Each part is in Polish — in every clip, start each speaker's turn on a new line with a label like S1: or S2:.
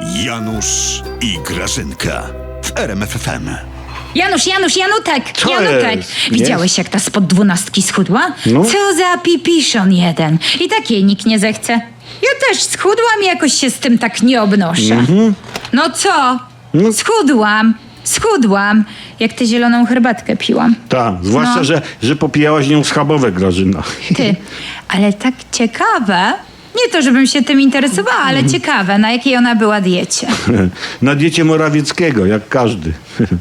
S1: Janusz i Grażynka w RMF FM.
S2: Janutek!
S3: Co
S2: Janutek!
S3: jest?
S2: Widziałeś, jak ta spod 12 schudła?
S3: No.
S2: Co za pipiszon jeden. I tak jej nikt nie zechce. Ja też schudłam i jakoś się z tym tak nie obnoszę. No co? Schudłam. Jak tę zieloną herbatkę piłam.
S3: Tak, zwłaszcza,
S2: No.
S3: że popijałaś nią schabowe, Grażyna.
S2: Ty, ale tak ciekawe. Nie to, żebym się tym interesowała, ale ciekawe, na jakiej ona była diecie.
S3: Na diecie Morawieckiego, jak każdy.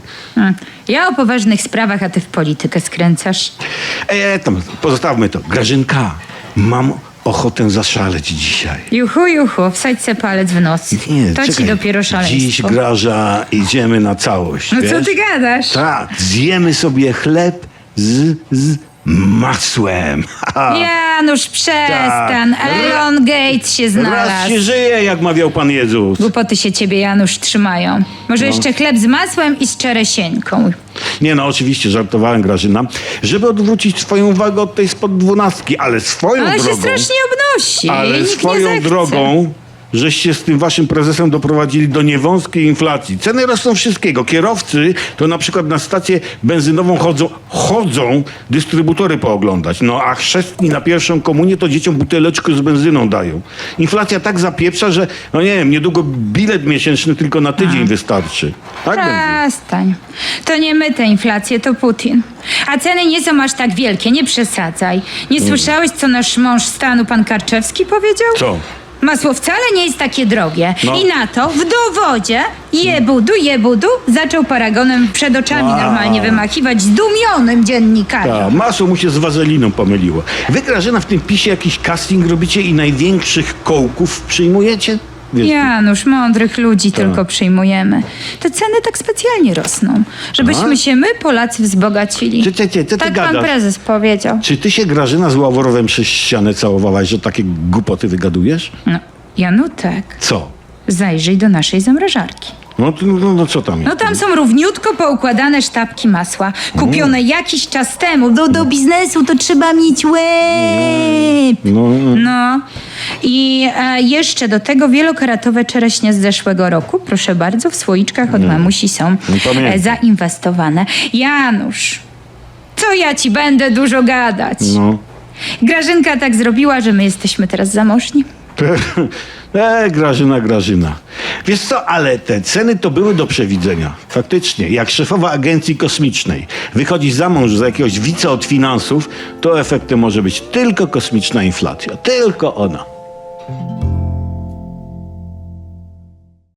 S2: Ja o poważnych sprawach, a ty w politykę skręcasz.
S3: Tam, pozostawmy to. Grażynka, mam ochotę zaszaleć dzisiaj.
S2: Juchu, wsadź se palec w nos. To ci
S3: czekaj.
S2: dopiero szaleństwo.
S3: Dziś, Graża, idziemy na całość,
S2: No
S3: wiesz?
S2: co ty gadasz?
S3: Tak, zjemy sobie chleb z masłem.
S2: Janusz, przestań.
S3: Tak.
S2: Elon Gates się
S3: Raz
S2: znalazł.
S3: się żyje, jak mawiał Pan Jezus.
S2: Głupoty się ciebie, Janusz, trzymają. Może jeszcze chleb z masłem i z czeresieńką.
S3: Nie no, oczywiście, żartowałem, Grażyna. Żeby odwrócić twoją uwagę od tej spod 12, ale swoją
S2: Ale
S3: drogą...
S2: się strasznie obnosi.
S3: Ale
S2: Nikt nie
S3: swoją
S2: zechce.
S3: drogą, żeście z tym waszym prezesem doprowadzili do niewąskiej inflacji. Ceny rosną wszystkiego. Kierowcy to na przykład na stację benzynową chodzą dystrybutory pooglądać. No a chrzestni na pierwszą komunię to dzieciom buteleczkę z benzyną dają. Inflacja tak zapieprza, że no nie wiem, niedługo bilet miesięczny tylko na tydzień wystarczy. Tak będzie.
S2: Przestań. To nie my tę inflację, to Putin. A ceny nie są aż tak wielkie, nie przesadzaj. Nie słyszałeś, co nasz mąż stanu, pan Karczewski, powiedział?
S3: Co?
S2: Masło wcale nie jest takie drogie.
S3: No.
S2: I na to w dowodzie jebudu zaczął paragonem przed oczami normalnie wymachiwać zdumionym dziennikarzom.
S3: Tak, masło mu się z wazeliną pomyliło. Wy, Grażyna, w tym PiSie jakiś casting robicie i największych kołków przyjmujecie? Wiesz,
S2: Janusz, mądrych ludzi tylko przyjmujemy. Te ceny tak specjalnie rosną, żebyśmy się my, Polacy, wzbogacili.
S3: Co ty
S2: Tak pan
S3: gadasz?
S2: prezes powiedział.
S3: Czy ty się, Grażyna, z Ławorowem przez ścianę całowałaś, że takie głupoty wygadujesz?
S2: No, Janutek,
S3: Co?
S2: zajrzyj do naszej zamrażarki.
S3: No co tam jest?
S2: No tam są równiutko poukładane sztabki masła, kupione jakiś czas temu. Do biznesu to trzeba mieć łeb. No. I jeszcze do tego wielokaratowe czereśnie z zeszłego roku, proszę bardzo, w słoiczkach od mamusi są
S3: pamiętam.
S2: zainwestowane. Janusz, co ja ci będę dużo gadać?
S3: No.
S2: Grażynka tak zrobiła, że my jesteśmy teraz zamożni.
S3: Grażyna. Wiesz co, ale te ceny to były do przewidzenia. Faktycznie, jak szefowa agencji kosmicznej wychodzi za mąż za jakiegoś wice od finansów, to efektem może być tylko kosmiczna inflacja. Tylko ona.